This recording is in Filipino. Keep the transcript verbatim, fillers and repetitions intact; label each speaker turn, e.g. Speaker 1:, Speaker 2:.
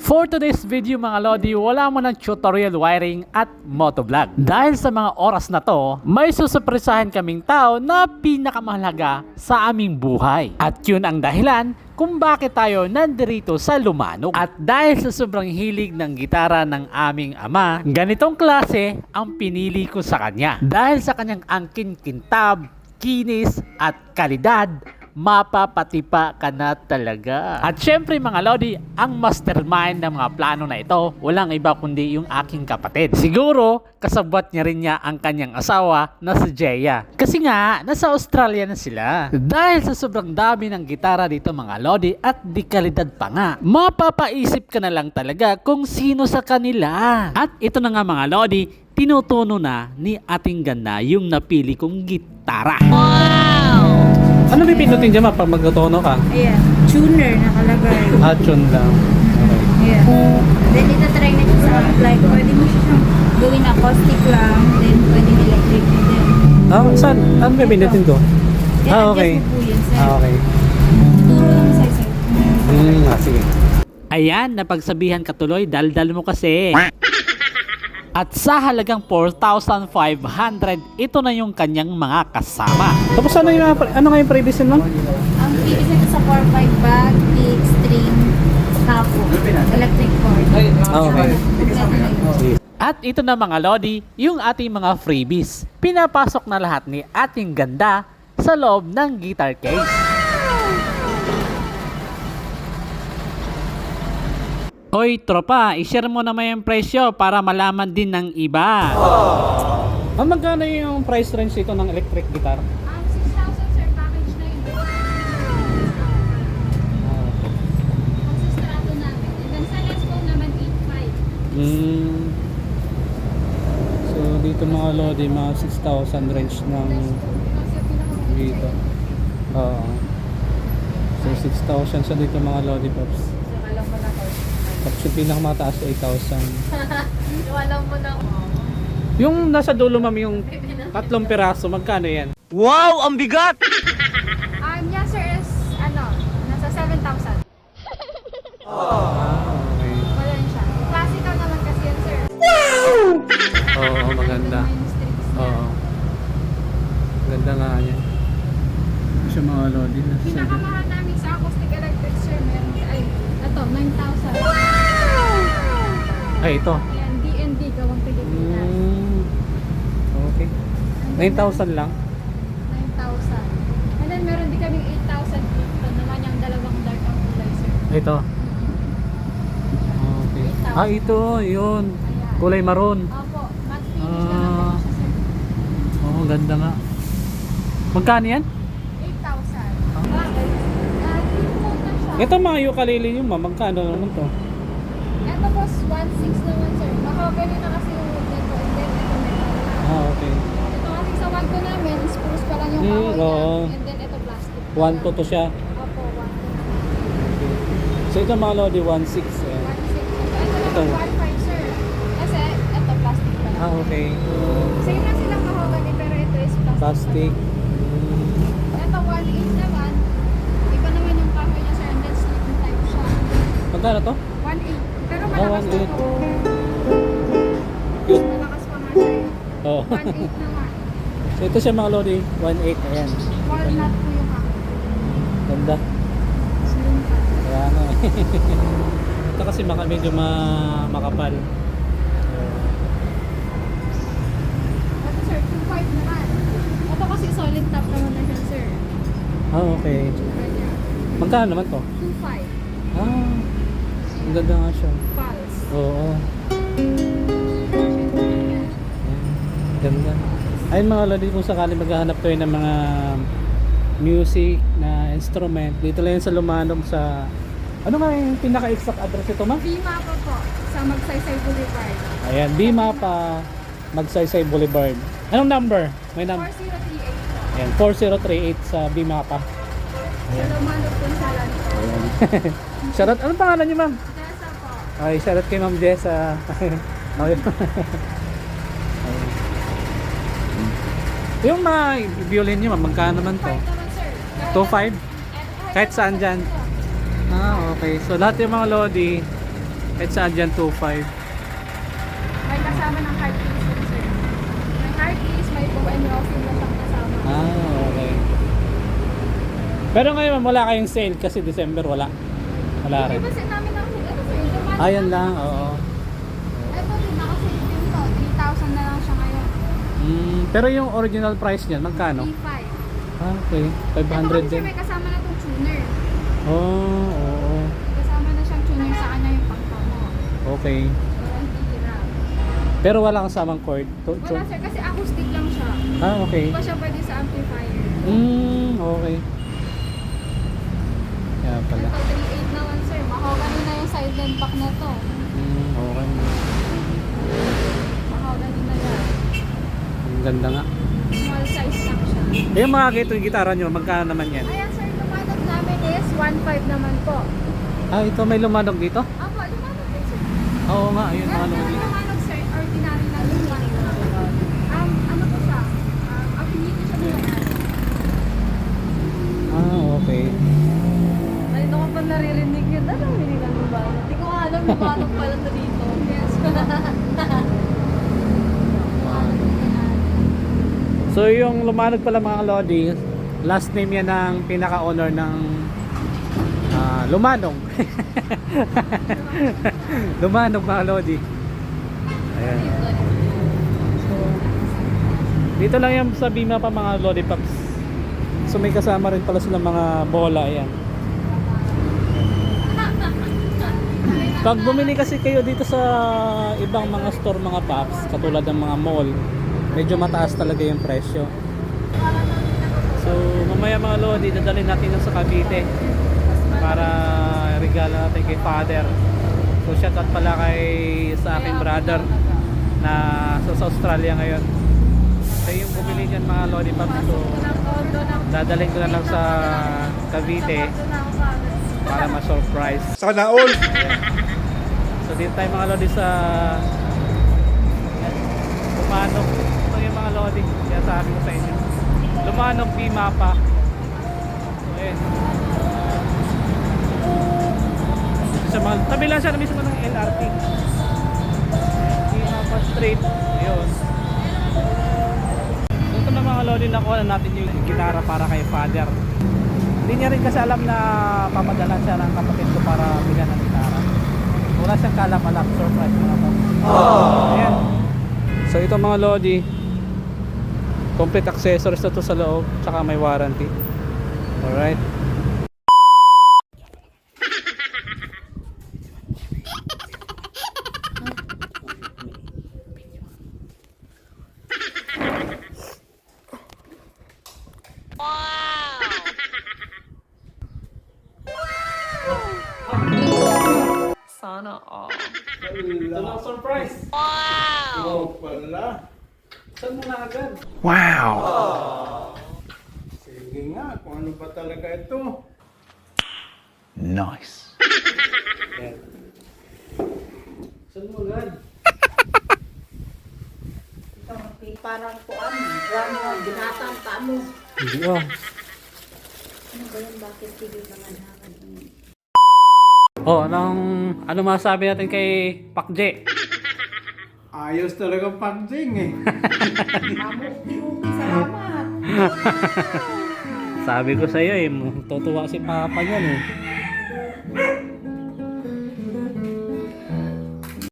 Speaker 1: For today's video mga Lodi, wala mo ng tutorial wiring at motovlog. Dahil sa mga oras na to, may susurpresahin kaming tao na pinakamahalaga sa aming buhay. At yun ang dahilan kung bakit tayo nandirito sa Lumanog. At dahil sa sobrang hilig ng gitara ng aming ama, ganitong klase ang pinili ko sa kanya. Dahil sa kanyang angkin kintab, kinis at kalidad, mapapatipa ka na talaga. At syempre mga Lodi, ang mastermind ng mga plano na ito, walang iba kundi yung aking kapatid. Siguro, kasabwat niya rin niya ang kanyang asawa na si Jeya. Kasi nga, nasa Australia na sila. Dahil sa sobrang dami ng gitara dito mga Lodi at di kalidad pa nga, mapapaisip ka na lang talaga kung sino sa kanila. At ito na nga mga Lodi, tinutuno na ni ating ganda yung napili kong gitara. Wow!
Speaker 2: Ano may pinutin dyan ma pag magtotono ka?
Speaker 3: Ayan, tuner nakalagay.
Speaker 2: Ah, tune lang. Okay.
Speaker 3: Ayan. Then itatry na siya sa apply. Pwede mo siya siyang gawin acoustic lang, then pwede electric din.
Speaker 2: Ah, saan? Ano may pinutin ko?
Speaker 3: Then
Speaker 2: Ah, okay.
Speaker 3: adjust mo po yun, sir.
Speaker 2: Ah, okay.
Speaker 3: Turo lang sa sir.
Speaker 2: Hmm, ah, sige.
Speaker 1: Ayan, napagsabihan ka tuloy, daldal mo kasi. At sa halagang four thousand five hundred, ito na yung kanyang mga kasama.
Speaker 2: Tapos ano yung, ano nga yung previous mo?
Speaker 3: Ang previous nito sa four five bag, pick, string, capo, electric cord.
Speaker 2: Ah, okay. Sige.
Speaker 1: At ito na mga Lodi, yung ating mga freebies. Pinapasok na lahat ni ating ganda sa loob ng guitar case. Hoy tropa, i-share mo naman yung presyo para malaman din ng iba.
Speaker 2: Ah, magkano yung price range ito ng electric guitar?
Speaker 3: Um, six thousand sir, package na yun. Magsistrato namin. And then sa Les Paul naman, eight five.
Speaker 2: Hmm. So dito mga Lodi, mga six thousand range ng dito. Oo. So six thousand sa dito mga Lodi Pops.
Speaker 3: Alam mo na ko.
Speaker 2: Tapos yung pinakamataas eight thousand.
Speaker 3: Alam mo na ko.
Speaker 2: Yung nasa dulo ma'am, yung tatlong piraso, magkano yan?
Speaker 4: Wow! Ang bigat!
Speaker 3: Um, yeah sir, is ano, nasa seven thousand.
Speaker 2: Ah, okay.
Speaker 3: Wala yun siya. Classical naman kasi yan sir.
Speaker 2: Oo, maganda.
Speaker 3: May strings niya.
Speaker 2: Oo. Ganda nga yan. Siya mga Lodi.
Speaker 3: Pinakamahal namin sa acoustic electric sir, meron ay, ito, nine thousand.
Speaker 2: Ay, ito.
Speaker 3: Ayan, D and D, gawang Pilipinas.
Speaker 2: Mm, okay. nine thousand lang?
Speaker 3: nine thousand. And then meron din kaming eight thousand. Ito naman yung dalawang dark ang kulay sir.
Speaker 2: Ito. Okay. Ah, ito. Yun. Kulay maroon.
Speaker 3: Opo, matte finish
Speaker 2: Ah.
Speaker 3: na lang po siya sir.
Speaker 2: Oo, ganda nga. Magkano yan?
Speaker 3: eight thousand. Bakit? Ah, three coat na siya.
Speaker 2: Ito mga ukulele yung ma'am. Magkano naman to?
Speaker 3: Ito po, one six naman sir. Mahogany na kasi yung wood nito. And then ito meron.
Speaker 2: Ah, okay.
Speaker 3: Ito kasi sa one ko namin, spruce pa lang yung
Speaker 2: Hmm,
Speaker 3: kahoy
Speaker 2: oo.
Speaker 3: niya. And then ito plastic.
Speaker 2: one to to siya.
Speaker 3: Opo, one to.
Speaker 2: Okay. So ito mga Lodi, one six. Eh.
Speaker 3: one six. Ito
Speaker 2: Ito.
Speaker 3: naman, one five sir. Kasi ito plastic pa lang.
Speaker 2: Ah, okay.
Speaker 3: Same lang silang mahogany pero ito is plastic.
Speaker 2: Plastic.
Speaker 3: pa
Speaker 2: Mm.
Speaker 3: lang. Ito one eight naman. Iba naman yung kahoy niya sir. And then sleeping type siya.
Speaker 2: Magkano to?
Speaker 3: one eight. Pero
Speaker 2: Ah,
Speaker 3: malakas
Speaker 2: one
Speaker 3: na
Speaker 2: eight.
Speaker 3: po.
Speaker 2: Cute.
Speaker 3: Malakas pa nga sir.
Speaker 2: Oo.
Speaker 3: one eight naman.
Speaker 2: So ito siya mga Lodi, one eight. Ayan.
Speaker 3: Walnut po yung kahoy.
Speaker 2: Ganda.
Speaker 3: Slim pa.
Speaker 2: Kaya nga eh. Ito kasi maka, medyo ma, makapal.
Speaker 3: Ito sir, two five naman. Ito kasi solid top naman na siya sir.
Speaker 2: Ah, okay.
Speaker 3: Kanya.
Speaker 2: Magkano naman to?
Speaker 3: two five.
Speaker 2: Ah, ang ganda nga siya.
Speaker 3: Pulse.
Speaker 2: Oo. Ayan. Ganda. Ayun mga Lodi, kung sakali maghahanap kayo ng mga music na instrument, dito lang yan sa Lumanog sa... Ano nga yung pinaka-exact address ito, ma'am?
Speaker 3: Bima pa po sa Magsaysay Boulevard.
Speaker 2: Ayan, Bima pa, Magsaysay Boulevard. Anong number? May number.
Speaker 3: four zero three eight po.
Speaker 2: Ayan, four zero three eight sa Bima pa.
Speaker 3: Sa Lumanog po sa Lanto.
Speaker 2: Ayan. Shoutout, anong pangalan niyo, ma'am?
Speaker 3: Tessa po.
Speaker 2: Ay, shoutout kay Ma'am Jessa. Okay. Yung mga violin niyo, ma'am, magkano naman to?
Speaker 3: five naman sir.
Speaker 2: two five? Kahit saan dyan? Ah, okay. So lahat yung mga Lodi, Kahit saan dyan, two five.
Speaker 3: May kasama ng hard case yun, sir. May hard case, may bow and rosin na siyang kasama.
Speaker 2: Ah, okay. Pero ngayon, ma'am, wala kayong sale kasi December wala. Wala rin.
Speaker 3: Kasi namin ang ano, sir, lumalang
Speaker 2: Ayan lang, oo.
Speaker 3: Ito din, nakasave din to. three thousand na lang siya ngayon.
Speaker 2: Mm, pero yung original price niyan, magkano?
Speaker 3: three five.
Speaker 2: Ah, okay. five hundred
Speaker 3: Ito kasi
Speaker 2: din.
Speaker 3: may kasama na itong tuner.
Speaker 2: Oh, oo.
Speaker 3: May kasama na siyang tuner sa kanya yung pangkamo.
Speaker 2: Okay.
Speaker 3: Warranty hira.
Speaker 2: Pero wala kang samang cord? To, to?
Speaker 3: Wala, sir, kasi acoustic lang siya.
Speaker 2: Ah, okay.
Speaker 3: Hindi pa siya pwede sa amplifier.
Speaker 2: Mm, okay. Kaya pala.
Speaker 3: Ito, three eight naman, sir. Mahogany na yung side and back na to.
Speaker 2: Mm, okay.
Speaker 3: Mahogany na yan.
Speaker 2: Ang ganda nga.
Speaker 3: Small size lang siya.
Speaker 2: Eh, yung mga gito, yung gitara nyo, magkano naman yan?
Speaker 3: Ayan, sir, lumanog namin is one five naman po.
Speaker 2: Ah, ito may lumanog dito?
Speaker 3: Apo, lumanog din, sir.
Speaker 2: Oo nga, ayun mga
Speaker 3: Pero
Speaker 2: lumanog.
Speaker 3: yung lumanog, sir, ordinary lang yung one five. Um, ano po siya? Um, affinity siya nila.
Speaker 2: Ah, okay.
Speaker 3: Ay, ko pa naririnig yun. Ano, hindi na lumanog. Hindi ko nga alam, lumanog pala to dito. Yes.
Speaker 2: So yung lumanog pala mga Lodi, last name yan ng pinaka-owner ng ah, Lumanog. Lumanog mga Lodi. Ayan. So, dito lang yan sa Bima pa mga Lodi Pops. So may kasama rin pala silang mga bola. Ayan. Pag bumili kasi kayo dito sa ibang mga store mga Pops, katulad ng mga mall, medyo mataas talaga yung presyo. So mamaya mga Lodi, dadalhin natin yung sa Cavite para regalo natin kay Father. So shout out pala kay sa aking brother na sa Australia ngayon. So yung bumili dyan mga Lodi Pops, so dadalhin ko na lang sa Cavite para ma-surprise.
Speaker 4: Sana all.
Speaker 2: So dito tayo mga Lodi sa Lumanog. Ito yung mga Lodi, kaya sabi ko sa inyo. Lumanog Bima pa. So ayun. Sa mga, tabi lang siya na mismo ng L R T. Bima pa straight. Ayun. So ito na mga Lodi, nakuha na natin yung gitara para kay Father. Hindi niya rin kasi alam na papadalan siya ng kapatid ko para bigyan ng gitara. Wala siyang kalap-alap, surprise mga to. Ayan. So ito mga Lodi, complete accessories na to sa loob, tsaka may warranty. Alright.
Speaker 5: Sana all.
Speaker 2: Ito lang surprise.
Speaker 4: Oh, pala.
Speaker 2: Saan mo na agad?
Speaker 4: Sige nga, kung ano ba talaga ito.
Speaker 6: Nice.
Speaker 2: Ayan. Saan mo agad?
Speaker 7: Parang kuan, ramo, binatang paano.
Speaker 2: Hindi ah.
Speaker 7: Ano ba yan? Bakit tigil mga naman?
Speaker 2: Oh, anong, ano masasabi natin kay Pakje?
Speaker 4: Ayos talaga pagding eh.
Speaker 7: Mamuti-muti, salamat.
Speaker 2: Sabi ko sa iyo eh, tutuwa si Papa niyan eh.